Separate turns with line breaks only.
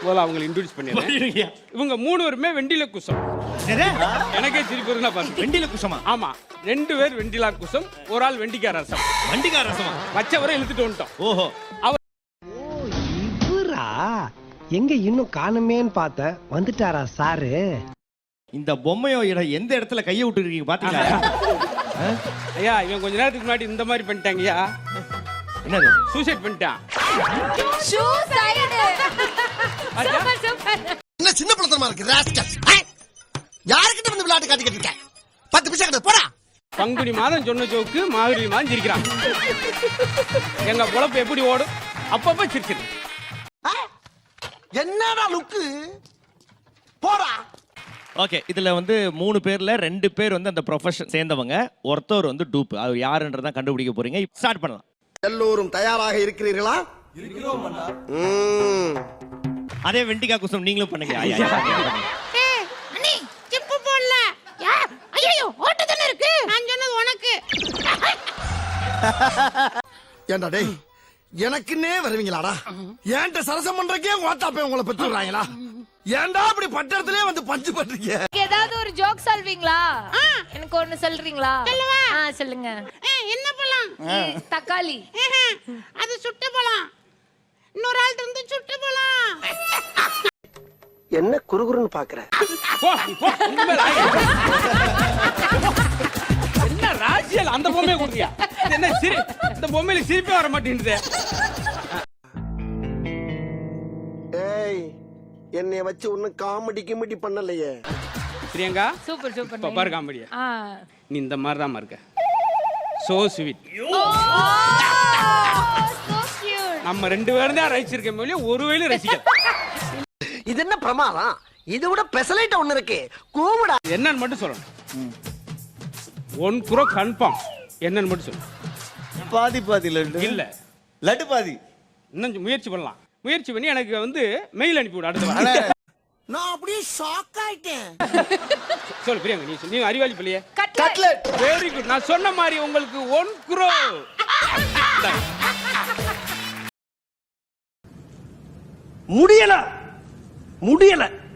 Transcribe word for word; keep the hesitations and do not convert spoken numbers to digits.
முதல்ல அவங்களை இன்ட்ரோடியூஸ் பண்ணிடுறேன். இவங்க மூணு பேருமே வெண்டில குசம். எனக்கே சிரிப்பு வருதுன்னா பாருங்க.
வெண்டில குசமா?
ஆமா, ரெண்டு பேர் வெண்டிலா குசம், ஒரு ஆள் வெண்டிக்கார ரசம்.
வெண்டிக்கார ரசமா?
வச்சவரை இழுத்துட்டு வந்துட்டோம்.
ஓஹோ.
ஓ இவரா? எங்க இன்னும் காணுமேன்னு பார்த்தேன். வந்துட்டாரா சாரு?
இந்த பொம்மையோ எந்த இடத்துல கையை விட்டு இருக்கீங்க பாத்தீங்களா?
ஐயா, இவன் கொஞ்ச நேரத்துக்கு முன்னாடி இந்த மாதிரி பண்ணிட்டாங்கய்யா.
என்னது?
சூசைட் பண்ணிட்டான்.
என்ன சின்ன பழத்தனமா இருக்கு ராஸ்கல். யார்கிட்ட வந்து விளையாட்டு காட்டிக்கிட்டு இருக்க? பத்து பைசா கிட்ட போடா.
பங்குனி மாதம் சொன்ன ஜோக்கு மார்கழி மாதம் சிரிக்கிறான். எங்க பொழப்பு எப்படி ஓடும்? அப்பப்ப சிரிச்சிரு.
என்னடா லுக்கு? போடா.
ஓகே, இதுல வந்து மூணு பேர்ல ரெண்டு பேர் வந்து அந்த ப்ரொஃபஷன் சேர்ந்தவங்க, ஒருத்தர் வந்து டூப். அது யாருன்றதான் கண்டுபிடிக்க போறீங்க. ஸ்டார்ட் பண்ணலாம்.
எல்லோரும் தயாராக இருக்கிறீர்களா? இருக்கிறோம் அண்ணா. ம்.
அதே வெண்டிகா குசம் நீங்களும் பண்ணுங்க. ஐயா
ஏய் அண்ணி சிப்பு போடல. யா ஐயோ ஓட்ட தான இருக்கு. நான் சொன்னது உனக்கு.
ஏண்டா டேய், எனக்குன்னே வருவீங்களாடா? ஏன்ட்ட சரசம் பண்றக்கே ஓட்டாப்பே உங்களை பெற்று விடுறாங்களா? ஏன்டா அப்படி பட்டறதுலயே வந்து பஞ்சு பண்றீங்க?
ஏதாவது ஒரு ஜோக் சொல்வீங்களா? எனக்கு ஒன்னு சொல்றீங்களா?
சொல்லுவா.
ஆ சொல்லுங்க.
ஏய் என்ன பழம்?
தக்காளி.
அது சுட்ட பழம். இன்னொரு ஆள் வந்து சுட்ட பழம்.
என்ன குறுகுறுன்னு பாக்குற?
போ, போ, உங்க மேல ஆயிரம். என்ன ராசியல் அந்த பொம்மையை கொடுத்தியா? இது என்ன சிரி? இந்த பொம்மையில சிரிப்பே வர மாட்டேங்குது.
ஏய், என்னைய வச்சு ஒன்னும் காமெடி கிமெடி பண்ணலையே.
பிரியங்கா,
சூப்பர்
இப்ப
சூப்பர்.
பாரு காமெடியா.
ஆ.
நீ இந்த மாதிரி தான் இருக்க. So sweet.
So cute.
நம்ம ரெண்டு பேரும் தான் ரசிச்சிருக்கோம் இல்லையா? ஒருவேளை ரசிக்கல.
இது என்ன பிரமாதம்? இதை விட பெசலைட் ஒண்ணு இருக்கு. கூவுடா.
என்னன்னு மட்டும் சொல்லணும். One crore confirm. என்னன்னு மட்டும் சொல்லு.
பாதி பாதி லட்டு
இல்ல,
லட்டு பாதி.
இன்னும் முயற்சி பண்ணலாம். முயற்சி பண்ணி எனக்கு வந்து மெயில் அனுப்பி விடு அடுத்த வாரம்.
நான் அப்படியே ஷாக் ஆயிட்டேன்.
சொல்லு பிரியங்கா, நீ சொல்லு. நீ அறிவாளி பிள்ளையே.
கட்லெட்.
Very good. நான் சொன்ன மாதிரி உங்களுக்கு ஒன் குரோ.
முடியல முடியல